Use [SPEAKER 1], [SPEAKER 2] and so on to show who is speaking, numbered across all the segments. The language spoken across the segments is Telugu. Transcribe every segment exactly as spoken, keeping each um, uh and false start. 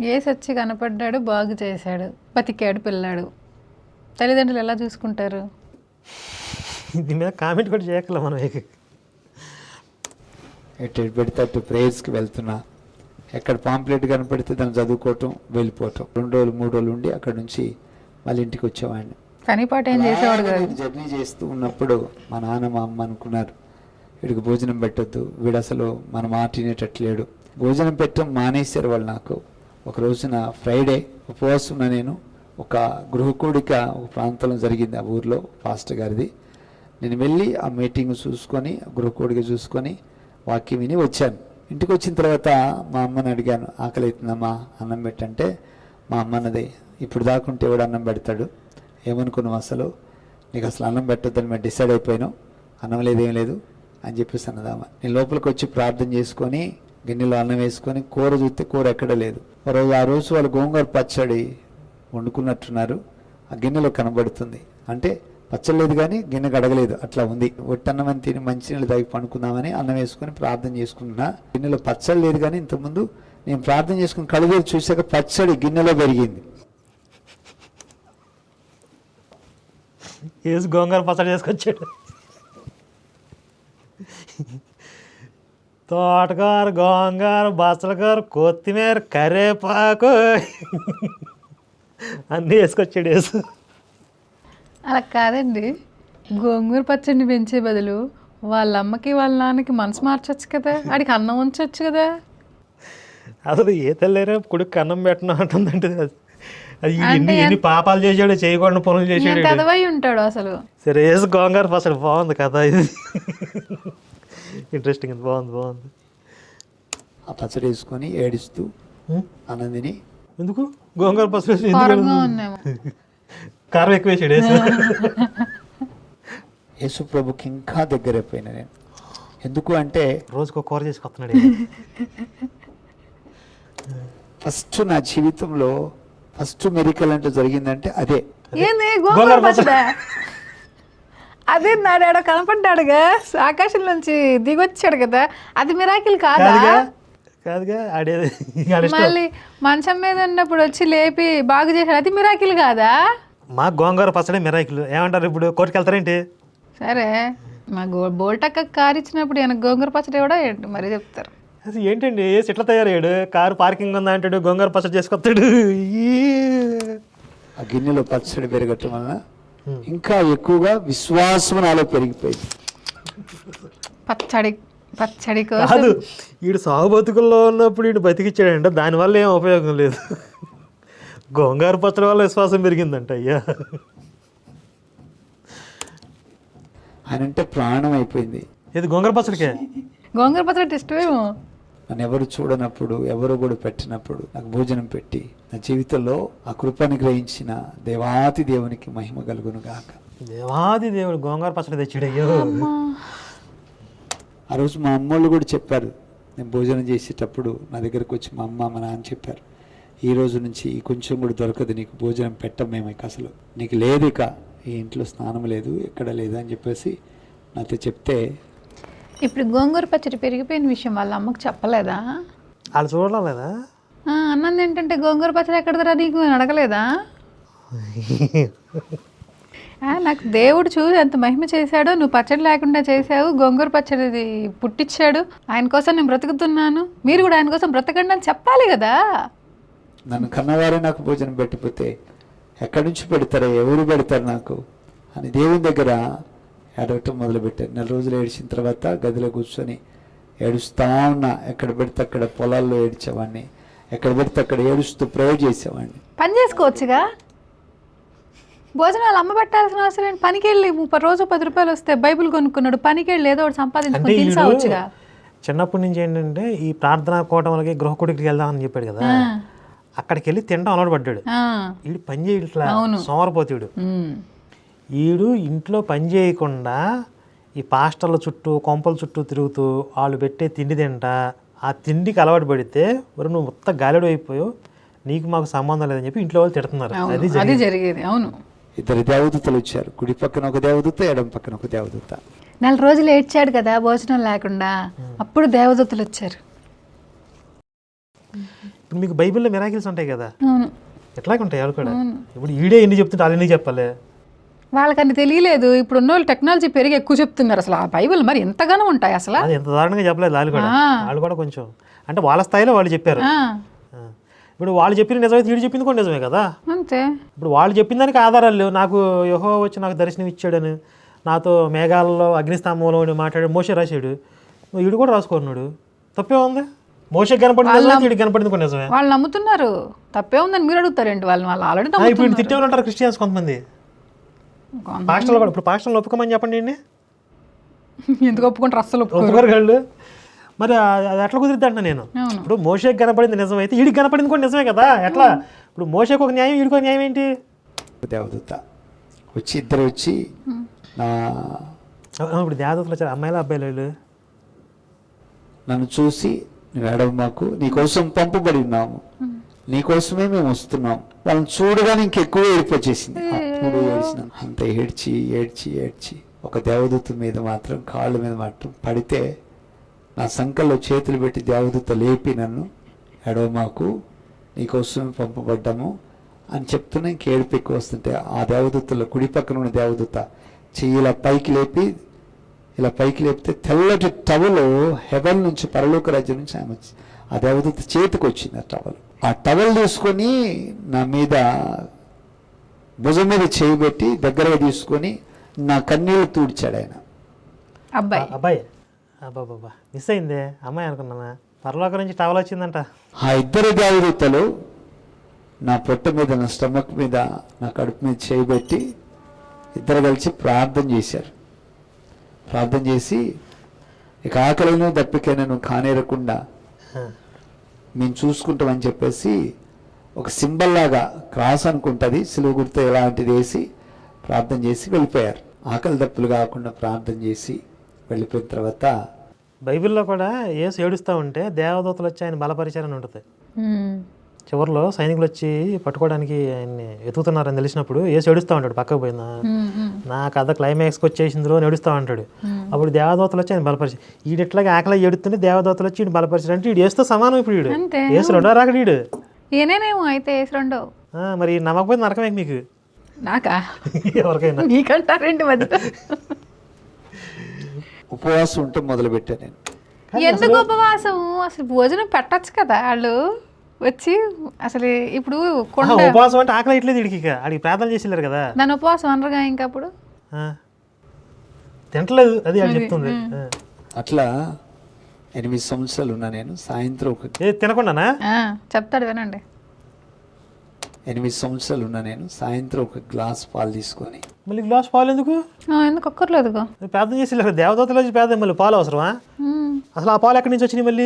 [SPEAKER 1] ఏసు వచ్చి కనపడ్డాడు, బాగు చేశాడు, బతికాడు పిల్లాడు. తల్లిదండ్రులు ఎలా చూసుకుంటారు?
[SPEAKER 2] దీని మీద కామెంట్ కూడా చేయగల మనం.
[SPEAKER 3] ఎటు పెడితే అటు ప్రేయర్స్కి వెళ్తున్నా, ఎక్కడ పాంప్లెట్ కనపడితే దాన్ని చదువుకోవటం, వెళ్ళిపోవటం. రెండు రోజులు మూడు రోజులు ఉండి అక్కడ నుంచి మళ్ళీ ఇంటికి వచ్చేవాడిని.
[SPEAKER 1] కనిపాటు ఏం చేసేవాడు కాదు.
[SPEAKER 3] జర్నీ చేస్తూ ఉన్నప్పుడు మా నాన్న మా అమ్మ అనుకున్నారు, వీడికి భోజనం పెట్టొద్దు, వీడు అసలు మన మాట వినేటట్లేడు. భోజనం పెట్టడం మానేశారు వాళ్ళు. నాకు ఒక రోజున ఫ్రైడే ఉపవాసం ఉన్న నేను, ఒక గృహకూడిక ఒక ప్రాంతంలో జరిగింది ఆ ఊర్లో పాస్టర్ గారిది. నేను వెళ్ళి ఆ మీటింగ్ చూసుకొని, గృహకూడిక చూసుకొని వాక్యం విని వచ్చాను. ఇంటికి వచ్చిన తర్వాత మా అమ్మని అడిగాను, ఆకలి అవుతుందమ్మా అన్నం పెట్టంటే మా అమ్మ అన్నది, ఇప్పుడు దాకుంటే ఎవడు అన్నం పెడతాడు, ఏమనుకున్నావు అసలు, నీకు అసలు అన్నం పెట్టొద్దని మేము డిసైడ్ అయిపోయినావు, అన్నం లేదేం లేదు అని చెప్పేసి అన్నదామా. నేను లోపలికి వచ్చి ప్రార్థన చేసుకొని గిన్నెలో అన్నం వేసుకొని కూర చూస్తే కూర ఎక్కడ లేదు. ఒక రోజు ఆ రోజు వాళ్ళు గోంగూర పచ్చడి వండుకున్నట్టున్నారు, ఆ గిన్నెలో కనబడుతుంది. అంటే పచ్చడి లేదు కానీ గిన్నె గడగలేదు, అట్లా ఉంది. ఒట్టన్నం తిని మంచినీళ్ళు తాగి పండుకుందామని అన్నం వేసుకొని ప్రార్థన చేసుకుంటున్నా. గిన్నెలో పచ్చడి లేదు కానీ ఇంతకుముందు నేను ప్రార్థన చేసుకుని కడుగు చూసాక పచ్చడి గిన్నెలో పెరిగింది.
[SPEAKER 2] ఏసు గోంగూర పచ్చడి చేసుకొచ్చాడు. తోటకూర, గోంగూర, బచ్చలకూర, కొత్తిమీర, కరేపాకు అన్నీ వేసుకొచ్చాడు వేసు.
[SPEAKER 1] అలా కాదండి, గోంగూర పచ్చడిని పెంచే బదులు వాళ్ళ అమ్మకి వాళ్ళ నాన్నకి మనసు మార్చొచ్చు కదా, ఆడికి అన్నం ఉంచవచ్చు కదా.
[SPEAKER 2] అసలు ఏ తల్లేరా కొడుకు అన్నం పెట్టను అంటుందంటే అది ఎన్ని ఎన్ని పాపాలు చేశాడు, చేయకూడని పనులు చేశాడు,
[SPEAKER 1] కదవై ఉంటాడు అసలు.
[SPEAKER 2] సరే వేసు గోంగూర పచ్చడి బాగుంది కదా, ఇది ఇంట్రెస్టింగ్, బాగుంది బాగుంది.
[SPEAKER 3] ఆ పచ్చడి వేసుకొని ఏడుస్తూ అన్నదిని,
[SPEAKER 2] ఎందుకు గోంగూర పచ్చడి
[SPEAKER 1] ఉన్నాము,
[SPEAKER 2] కారం ఎక్కువ వేసాడు వేసు.
[SPEAKER 3] యేసు ప్రభుకి ఇంకా దగ్గర అయిపోయినా నేను. ఎందుకు అంటే
[SPEAKER 2] రోజుకు కూర చేసుకొస్తున్నాడు.
[SPEAKER 3] ఫస్ట్ నా జీవితంలో ఫస్ట్ మెరికల్ అంటే జరిగిందంటే అదే.
[SPEAKER 1] ఏంది గోంగూర పచ్చడి? అదే నాడాడ కనపడ్డాడుగా, ఆకాశం నుంచి దిగొచ్చాడు కదా, అది మిరాకిల్ కాదా?
[SPEAKER 2] కాదుగా,
[SPEAKER 1] మళ్ళీ మంచం మీద ఉన్నప్పుడు వచ్చి లేపి బాగు చేశాడు, అది మిరాకిల్ కాదా?
[SPEAKER 2] మా గోంగూర పచ్చడి మిరాకిల్ ఏమంటారు? ఇప్పుడు కోర్టుకు వెళ్తారేంటి?
[SPEAKER 1] సరే, మా గో బోల్టక్క కారు ఇచ్చినప్పుడు ఈయన గోంగూర పచ్చడి కూడా ఏంటి మరి చెప్తారు.
[SPEAKER 2] అసలు ఏంటండి ఏసి ఇట్లా తయారయ్యాడు, కారు పార్కింగ్ ఉందా అంటాడు, గోంగూర పచ్చడి చేసుకొస్తాడు.
[SPEAKER 3] ఆ గిన్నెలో పచ్చడి పెరగటం వలన ఇంకా ఎక్కువగా విశ్వాసం నాలో పెరిగిపోయింది.
[SPEAKER 1] పచ్చడి పచ్చడి
[SPEAKER 2] కాదు, వీడు సాగు బతుకుల్లో ఉన్నప్పుడు వీడు బతికిచ్చాడంట, దానివల్ల ఏం ఉపయోగం లేదు. గోంగూర పచ్చడి వల్ల విశ్వాసం పెరిగిందంట. అయ్యా
[SPEAKER 3] ఆయన అంటే ప్రాణం అయిపోయింది.
[SPEAKER 2] ఇది గోంగూర పచ్చడికే.
[SPEAKER 1] గోంగూర పచ్చడి ఇష్టమేమో.
[SPEAKER 3] నన్ను ఎవరు చూడనప్పుడు, ఎవరు కూడా పెట్టినప్పుడు నాకు భోజనం పెట్టి నా జీవితంలో ఆ కృపని గ్రహించిన దేవాది దేవునికి మహిమ కలుగును గాక.
[SPEAKER 2] దేవాది దేవుడు గోంగూర పచ్చడి తెచ్చాడు. అయ్యో,
[SPEAKER 3] ఆ రోజు మా అమ్మోళ్ళు కూడా చెప్పారు, నేను భోజనం చేసేటప్పుడు నా దగ్గరకు వచ్చి మా అమ్మ మా నాన్న చెప్పారు, ఈ రోజు నుంచి ఈ కొంచెం కూడా దొరకదు నీకు, భోజనం పెట్టం మేము ఇక, అసలు నీకు లేదు ఇక, ఈ ఇంట్లో స్నానం లేదు, ఎక్కడ లేదు అని చెప్పేసి నాతో చెప్తే.
[SPEAKER 1] ఇప్పుడు గోంగూర పచ్చడి పెరిగిపోయిన విషయం వాళ్ళ అమ్మకు చెప్పలేదా?
[SPEAKER 2] వాళ్ళు చూడడం లేదా?
[SPEAKER 1] అన్నది ఏంటంటే గోంగూర పచ్చడి ఎక్కడదరా నీకు అడగలేదా? నాకు దేవుడు చూసి ఎంత మహిమ చేశాడో, నువ్వు పచ్చడి లేకుండా చేసావు, గోంగూర పచ్చడి పుట్టించాడు, ఆయన కోసం నేను బ్రతుకుతున్నాను, మీరు కూడా ఆయన కోసం బ్రతకండి అని చెప్పాలి కదా.
[SPEAKER 3] నన్ను కన్నవారే నాకు భోజనం పెట్టిపోతే ఎక్కడి నుంచి పెడతారా, ఎవరు పెడతారు నాకు అని దేవుని దగ్గర ఏడవటం మొదలుపెట్టారు. నెల రోజులు ఏడిచిన తర్వాత గదిలో కూర్చొని ఏడుస్తా ఉన్నా. ఎక్కడ పెడితే అక్కడ పొలాల్లో ఏడ్చేవాడిని, ఎక్కడ పెడితే అక్కడ ఏడుస్తూ ప్రేయర్ చేసేవాడిని.
[SPEAKER 1] పని చేసుకోవచ్చుగా, భోజనాలు అమ్మ పెట్టాల్సిన అవసరం ఏంటి? పనికి వెళ్ళి ముప్పై రోజు పది రూపాయలు వస్తే బైబిల్ కొనుక్కున్నాడు, పనికి వెళ్ళి ఏదో ఒకటి సంపాదించుకుని తినసావచ్చుగా.
[SPEAKER 2] చిన్నప్పటి నుంచి ఏంటంటే ఈ ప్రార్థనా కూటమికి గృహకుడికి వెళ్దామని చెప్పాడు కదా, అక్కడికి వెళ్ళి తింటాం అలవాటు పడ్డాడు. వీడు పని చేయట్లా, సోమరపోతుడు. వీడు ఇంట్లో పని చేయకుండా ఈ పాస్టర్ల చుట్టూ కొంపల చుట్టూ తిరుగుతూ వాళ్ళు పెట్టే తిండి తింటా, ఆ తిండికి అలవాటు పడితే మరి నువ్వు మొత్తం గాలిడు అయిపోయావు, నీకు మాకు సంబంధం లేదని చెప్పి ఇంట్లో వాళ్ళు తిడుతున్నారు.
[SPEAKER 1] అది జరిగేది. అవును,
[SPEAKER 3] ఇద్దరు దేవదూతలు వచ్చారు, కుడి పక్కన ఒక దేవదూత, ఎడం పక్కన ఒక దేవదూత.
[SPEAKER 1] నెల రోజులు ఏడ్చాడు కదా భోజనం లేకుండా, అప్పుడు దేవదూతలు వచ్చారు.
[SPEAKER 2] ఇప్పుడు మీకు బైబిల్లో మిరాకిల్స్ ఉంటాయి కదా,
[SPEAKER 1] అవును.
[SPEAKER 2] ఎట్లాగే ఉంటాయి వాళ్ళు కూడా. ఇప్పుడు ఈడే ఎన్ని చెప్తుంటే వాళ్ళు ఎన్ని చెప్పాలి?
[SPEAKER 1] వాళ్ళకని తెలియలేదు. ఇప్పుడు ఉన్న వాళ్ళు టెక్నాలజీ పెరిగి ఎక్కువ చెప్తున్నారు. అసలు ఆ బైబిల్ మరి ఎంతగానో ఉంటాయి అసలు.
[SPEAKER 2] అది ఎంత దారుణంగా చెప్పలేదు వాళ్ళు కూడా. వాళ్ళు కూడా కొంచెం అంటే వాళ్ళ స్థాయిలో వాళ్ళు చెప్పారు.
[SPEAKER 1] ఆ,
[SPEAKER 2] ఆ. ఇప్పుడు వాళ్ళు చెప్పిన నిజమైతే వీడు చెప్పింది కూడా నిజమే కదా.
[SPEAKER 1] అంతే.
[SPEAKER 2] ఇప్పుడు వాళ్ళు చెప్పిన దానికి ఆధారాలు లేవు. నాకు యెహోవా వచ్చి నాకు దర్శనం ఇచ్చాడని, నాతో మేఘాలలో అగ్నిస్తంభంలో ఉండి మాట్లాడాడు, మోషే రాశాడు, వీడు కూడా రాసుకున్నాడు. తప్పే ఉంది. మోషే కనపడింది నిజమే, వీడికి కనపడింది కూడా నిజమే.
[SPEAKER 1] వాళ్ళు నమ్ముతున్నారు. తప్పే ఉందని మీరు అడుగుతారేంటి వాళ్ళని? వాళ్ళు ఆల్రెడీ
[SPEAKER 2] ఆ, ఇప్పుడు వీడు తిట్టేవాళ్ళు ఉంటారు క్రిస్టియన్స్ కొంతమంది. పాస్టర్లు కూడా ఇప్పుడు పాస్టర్లు ఒప్పుకోమని చెప్పండి అండి,
[SPEAKER 1] ఎందుకు ఒప్పుకుంటారు? అస్సలు
[SPEAKER 2] ఒప్పుకోరు వాళ్ళు. మరి అది ఎట్లా కుదిరిద్ది అంట నేను.
[SPEAKER 1] అవును.
[SPEAKER 2] ఇప్పుడు మోషేకి కనపడింది నిజమైతే వీడికి కనపడింది కూడా నిజమే కదా. ఎట్లా ఇప్పుడు మోషేకి ఒక న్యాయం, వీడికి ఒక న్యాయం ఏంటి?
[SPEAKER 3] దేవదూత వచ్చి ఇద్దరు వచ్చి నా
[SPEAKER 2] ఇప్పుడు దేవదూతలు వచ్చారు, అమ్మాయిలు అబ్బాయిలు వీళ్ళు.
[SPEAKER 3] నన్ను చూసి నువ్వు ఏడవమాకు, నీకోసం పంపబడి ఉన్నాము, నీకోసమే మేము వస్తున్నాం. వాళ్ళని చూడగానే ఇంకెక్కువ ఏడుపు వచ్చేసింది. అప్పుడు ఏడ్చిన అంత ఏడ్చి ఏడ్చి ఏడ్చి ఒక దేవదూత మీద మాత్రం కాళ్ళ మీద మాత్రం పడితే నా సంకల్లో చేతులు పెట్టి దేవదూత లేపి నన్ను ఏడవమాకు, నీకోసమే పంపబడ్డాము అని చెప్తున్నా ఇంక ఏడుపు ఎక్కువ వస్తుంటే ఆ దేవదూతలో కుడి పక్కన ఉన్న దేవదూత చెయ్యి ఇలా పైకి లేపి ఇలా పైకి లేపితే తెల్లటి టవలు హెవెన్ నుంచి పరలోక రాజ్యం నుంచి ఆమె వచ్చి ఆ దేవదూత చేతికి వచ్చింది. ఆ టవల్ ఆ టవల్ తీసుకొని నా మీద భుజం మీద చేయి పెట్టి దగ్గరగా తీసుకొని నా కన్నీళ్ళు తూడ్చాడు ఆయన.
[SPEAKER 1] అబ్బాయి
[SPEAKER 2] అబ్బాయి అబ్బాబ్బా మిస్ అయిందే, అమ్మాయి అనుకున్నానా? పరలోక నుంచి టవల్ వచ్చిందంట.
[SPEAKER 3] ఆ ఇద్దరు దేవదూతలు నా పొట్ట మీద నా స్టమక్ మీద నా కడుపు మీద చేయి పెట్టి ఇద్దరు కలిసి ప్రార్థన చేశారు. ప్రార్థన చేసి ఇక ఆకలిను దప్పికైనా నువ్వు కానేరకుండా మేము చూసుకుంటామని చెప్పేసి ఒక సింబల్ లాగా క్రాస్ అనుకుంటుంది, సిలువ గుర్తు ఇలాంటిది వేసి ప్రార్థన చేసి వెళ్ళిపోయారు. ఆకలి దప్పులు కాకుండా ప్రార్థన చేసి వెళ్ళిపోయిన తర్వాత
[SPEAKER 2] బైబిల్లో కూడా యేసు ఏడుస్తూ ఉంటే దేవదూతలు వచ్చి ఆయన బలపరిచారని ఉంటుంది. చివరిలో సైనికులు వచ్చి పట్టుకోవడానికి ఆయన్ని ఎత్తుకుతున్నారని తెలిసినప్పుడు యేసు ఏడుస్తూ ఉంటాడు, పక్కకు పోయిందా నా కథ క్లైమాక్స్కి వచ్చేసిందిలో ఏడుస్తూ ఉంటాడు. అప్పుడు దేవదూతలు వచ్చి ఆయన బలపరిచి ఈడు ఇట్లాగే ఆకలి ఏడుతుంటే దేవదూతలు వచ్చి ఈడు బలపరిచారు అంటే ఈడు వేస్తే సమానం. ఇప్పుడు ఈడు యేసు రెండో రాకడు ఈడు
[SPEAKER 1] ఏనేనేమో అయితే వేసి రెండో.
[SPEAKER 2] మరి నమ్మకపోతే నరకమే మీకు.
[SPEAKER 1] నాకా?
[SPEAKER 2] ఎవరికైనా
[SPEAKER 1] నీకంటారేంటి మధ్య?
[SPEAKER 3] ఉపవాసం ఉంటే మొదలు పెట్టాను నేను.
[SPEAKER 1] ఎందుకు ఉపవాసం? అసలు భోజనం పెట్టచ్చు కదా వాళ్ళు వచ్చి. అసలు ఇప్పుడు కొండ
[SPEAKER 2] ఉపవాసం అంటే ఆకలి ఇట్లేదు వీడికి, ఇక ఆడికి ప్రార్థన చేసిలేరు కదా,
[SPEAKER 1] దాని ఉపవాసం అనరుగా. ఇంకా అప్పుడు
[SPEAKER 2] తింటలేదు అది అది చెప్తుంది.
[SPEAKER 3] అట్లా ఎనిమిది సంవత్సరాలు ఉన్నా నేను. సాయంత్రం ఒక
[SPEAKER 2] ఏ తినకుండానా?
[SPEAKER 1] చెప్తాడు వినండి.
[SPEAKER 3] ఎనిమిది సంవత్సరాలు ఉన్నా నేను. సాయంత్రం ఒక గ్లాస్ పాలు తీసుకొని
[SPEAKER 2] మళ్ళీ గ్లాస్ పాలు ఎందుకు?
[SPEAKER 1] ఎందుకు ఒక్కర్లేదుగా
[SPEAKER 2] ప్రార్థన చేసిలేరు దేవదూతలు వచ్చి ప్రార్థన, మళ్ళీ పాలు అవసరమా? అసలు ఆ పాలు ఎక్కడి నుంచి వచ్చినాయి మళ్ళీ?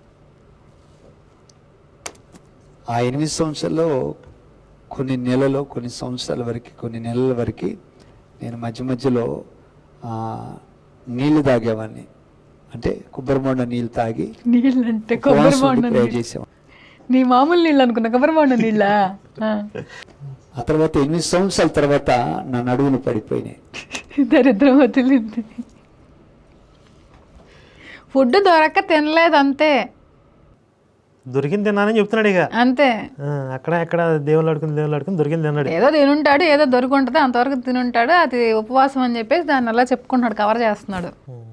[SPEAKER 3] ఆ ఎనిమిది సంవత్సరాల్లో కొన్ని నెలలో కొన్ని సంవత్సరాల వరకు కొన్ని నెలల వరకు నేను మధ్య మధ్యలో నీళ్లు తాగేవాడిని. అంటే కొబ్బరి బొండ నీళ్ళు తాగి
[SPEAKER 1] నీళ్ళు అంటే కొబ్బరి బొండ
[SPEAKER 3] చేసేవాడిని.
[SPEAKER 1] నీ మామూలు నీళ్ళు అనుకున్నా, కొబ్బరి బొండ నీళ్ళ.
[SPEAKER 3] ఆ తర్వాత ఎనిమిది సంవత్సరాల తర్వాత నా నడువును పడిపోయినాయి.
[SPEAKER 1] దరిద్రం వదిలింది. ఫుడ్ దొరక్క తినలేదు అంతే.
[SPEAKER 2] దొరికింది తిన్నానని చెప్తున్నాడు ఇక
[SPEAKER 1] అంతే.
[SPEAKER 2] అక్కడ ఎక్కడ దేవుళ్ళు అడుకుని దేవుళ్ళు అడుకుని దొరికింది తిన్నాడు.
[SPEAKER 1] ఏదో తినుంటాడు, ఏదో దొరుకుంటుంది, అంతవరకు తినుంటాడు. అది ఉపవాసం అని చెప్పేసి దాన్ని అలా చెప్పుకుంటున్నాడు, కవర్ చేస్తున్నాడు.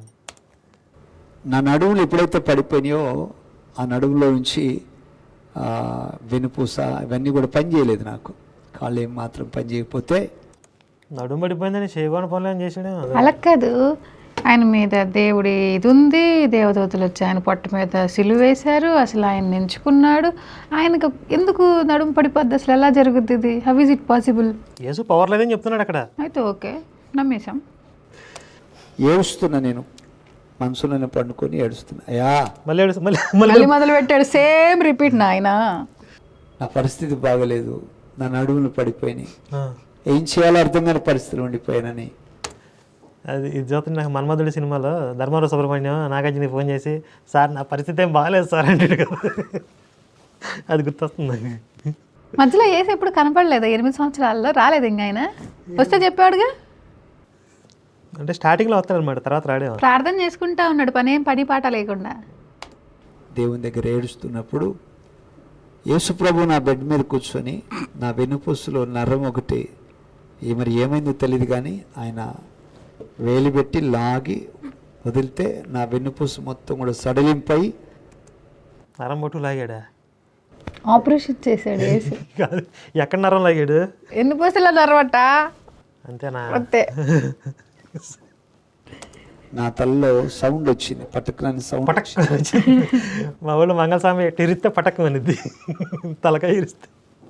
[SPEAKER 3] నా నడువులు ఎప్పుడైతే పడిపోయినాయో ఆ నడువులో నుంచి వెనుపూస ఇవన్నీ కూడా పని చేయలేదు. నాకు కాళ్ళు ఏం మాత్రం పని చేయకపోతే
[SPEAKER 2] నడుము పడిపోయిందని చేయకుండా పనులు ఏం చేసాడు.
[SPEAKER 1] అలా కాదు, ఆయన మీద దేవుడి ఇది ఉంది, దేవదూతలు వచ్చి ఆయన పొట్ట మీద సిలువ వేశారు, అసలు ఆయన ఎంచుకున్నాడు. ఆయనకు ఎందుకు నడుము పడిపోద్ది? అసలు ఎలా జరుగుద్ది ఇది? How is it possible?
[SPEAKER 2] యేసు పవర్ లేదని చెప్తున్నాడు అక్కడ.
[SPEAKER 1] అయితే ఓకే, నమ్మేశాం.
[SPEAKER 3] ఏడుస్తున్నా నేను, మనసులోనే పండుకొని ఏడుస్తున్నా. అయ్యా
[SPEAKER 2] మళ్ళీ
[SPEAKER 1] మళ్ళీ మొదలు పెట్టాడు, సేమ్ రిపీట్. నాయన
[SPEAKER 3] నా పరిస్థితి బాగలేదు, నా నడుములు పడిపోయినాయి, ఏం చేయాలో అర్థం కాని పరిస్థితులు ఉండిపోయానని.
[SPEAKER 2] అది ఇది చూస్తుంది నాకు మన్మధుడి సినిమాలో ధర్మారావు సుబ్రహ్మణ్యం నాగార్జున ఫోన్ చేసి సార్ నా పరిస్థితి ఏం బాగాలేదు సార్ అంటాడు కదా, అది గుర్తొస్తుంది.
[SPEAKER 1] మధ్యలో ఏసి ఎప్పుడు కనపడలేదు ఎనిమిది సంవత్సరాల్లో, రాలేదు ఇంకా ఆయన. వస్తే చెప్పాడుగా,
[SPEAKER 2] అంటే స్టార్టింగ్లో వస్తాడు అనమాట, తర్వాత రాడే.
[SPEAKER 1] ప్రార్థన చేసుకుంటా ఉన్నాడు, పని ఏం పని పాట లేకుండా.
[SPEAKER 3] దేవుని దగ్గర ఏడుస్తున్నప్పుడు యేసుప్రభు నా బెడ్ మీద కూర్చొని నా వెన్నుపూసలో నరం ఒకటి ఈ మరి ఏమైందో తెలియదు కానీ ఆయన వేలు పెట్టి లాగి వదిలితే నా వెన్నుపూస మొత్తం కూడా సడలింపై
[SPEAKER 2] నరం బొట్టు లాగాడా?
[SPEAKER 1] ఆపరేషన్ చేశాడు యేసు.
[SPEAKER 2] కాదు, ఎక్కడ నరం లాగాడు?
[SPEAKER 1] ఎన్ని పూసల నరవట
[SPEAKER 2] అంతేనా?
[SPEAKER 1] అంతే.
[SPEAKER 3] నా తలలో సౌండ్ వచ్చింది, పట్టుకుని సౌండ్.
[SPEAKER 2] పటక్ మా వాళ్ళు మంగళస్వామి ఇరిస్తే పటక్ అనిద్ది, తలకాయ ఇరిస్తే.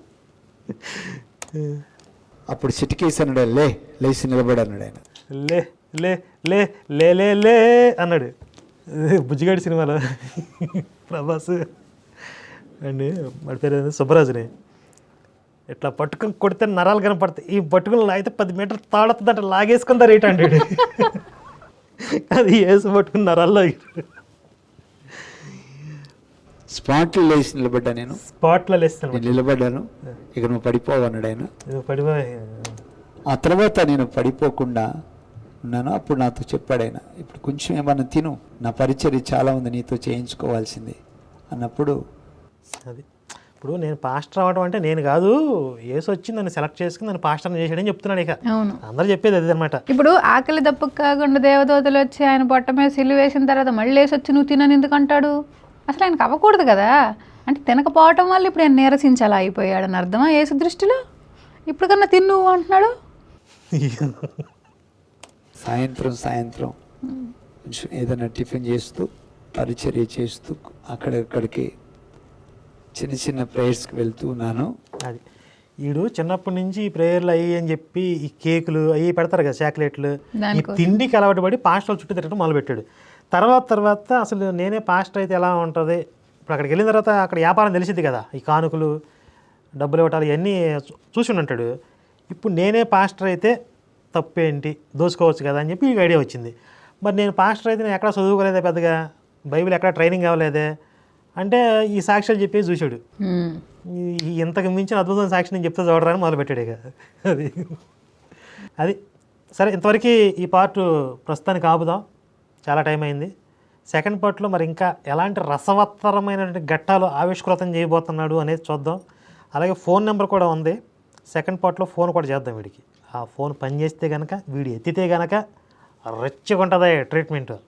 [SPEAKER 3] అప్పుడు చిటికేసాడు, లే లేచి నిలబడి అన్నాడు ఆయన.
[SPEAKER 2] లే లే లే లే లే లే అన్నాడు. బుజ్జిగాడి సినిమాలో ప్రభాస్ అండి, వాడి పేరు సుబ్బరాజుని. ఇట్లా పట్టుకుని కొడితే నరాలు కనపడతాయి, ఈ పట్టుకుని లాగితే పది మీటర్లు తాడుతుందంట, లాగేసుకుందా రేట్ అంటాడు. అది వేసి పట్టుకుని నరాల్లో
[SPEAKER 3] స్పాట్లో లేచి నిలబడ్డా. నేను
[SPEAKER 2] స్పాట్లో లేస్తాను,
[SPEAKER 3] నేను నిలబడ్డాను, ఇక నువ్వు పడిపోవు అన్నాడు ఆయన.
[SPEAKER 2] పడిపోయి
[SPEAKER 3] ఆ తర్వాత నేను పడిపోకుండా ఉన్నాను. అప్పుడు నాతో చెప్పాడు ఆయన, ఇప్పుడు కొంచెం ఏమన్నా తిను, నా పరిచర్య చాలా ఉంది, నీతో చేయించుకోవాల్సింది అన్నప్పుడు.
[SPEAKER 2] అది ఇప్పుడు నేను పాస్టర్ అవ్వడం అంటే నేను కాదు, యేసు వచ్చి నన్ను సెలెక్ట్ చేసుకుని నన్ను పాస్టర్ని చేశాడని చెప్తున్నాడు. ఇక
[SPEAKER 1] అవును,
[SPEAKER 2] అందరూ చెప్పేది అది అనమాట.
[SPEAKER 1] ఇప్పుడు ఆకలి దప్పుకు కాకుండా దేవదూతలు వచ్చి ఆయన పొట్ట మీద సిలువ వేసిన తర్వాత మళ్ళీ వేసి వచ్చి నువ్వు తినని ఎందుకు అంటాడు? అసలు ఆయనకు అవ్వకూడదు కదా. అంటే తినకపోవటం వల్ల ఇప్పుడు ఆయన నీరసించాలా అయిపోయాడని అర్థమా యేసు దృష్టిలో? ఇప్పుడు కన్నా తిన్ను అంటున్నాడు.
[SPEAKER 3] సాయంత్రం సాయంత్రం కొంచెం ఏదైనా టిఫిన్ చేస్తూ పరిచర్య చేస్తూ అక్కడక్కడికి చిన్న చిన్న ప్రేయర్స్కి వెళ్తూ ఉన్నాను.
[SPEAKER 2] అది వీడు చిన్నప్పటి నుంచి ఈ ప్రేయర్లు అయ్యి అని చెప్పి ఈ కేకులు అవి పెడతారు కదా, చాక్లెట్లు, ఈ తిండికి అలవాటు పడి పాస్టర్ల చుట్టూ తిరగడం మొదలుపెట్టాడు. తర్వాత తర్వాత అసలు నేనే పాస్టర్ అయితే ఎలా ఉంటుంది, ఇప్పుడు అక్కడికి వెళ్ళిన తర్వాత అక్కడ వ్యాపారం తెలిసింది కదా, ఈ కానుకలు డబ్బులు ఇవ్వటాలు ఇవన్నీ చూసి ఉంటాడు. ఇప్పుడు నేనే పాస్టర్ అయితే తప్పేంటి, దోసుకోవచ్చు కదా అని చెప్పి ఈ ఐడియా వచ్చింది. మరి నేను పాస్టర్ అయితే నేను ఎక్కడ చదువుకోలేదే, పెద్దగా బైబిల్ ఎక్కడ ట్రైనింగ్ అవ్వలేదే అంటే ఈ సాక్ష్యాలు చెప్పేసి చూశాడు. ఈ ఇంతకు మించిన అద్భుతమైన సాక్షి నేను చెప్తే చూడరాని మొదలుపెట్టాడు. ఇక అది అది సరే, ఇంతవరకు ఈ పార్ట్ ప్రస్తుతానికి ఆపుదాం, చాలా టైం అయింది. సెకండ్ పార్ట్లో మరి ఇంకా ఎలాంటి రసవత్తరమైనటువంటి ఘట్టాలు ఆవిష్కృతం చేయబోతున్నాడు అనేది చూద్దాం. అలాగే ఫోన్ నెంబర్ కూడా ఉంది, సెకండ్ పార్ట్లో ఫోన్ కూడా చేద్దాం వీడికి. ఆ ఫోన్ పనిచేస్తే కనుక, వీడు ఎత్తితే కనుక రెచ్చుకుంటుంది ట్రీట్మెంట్.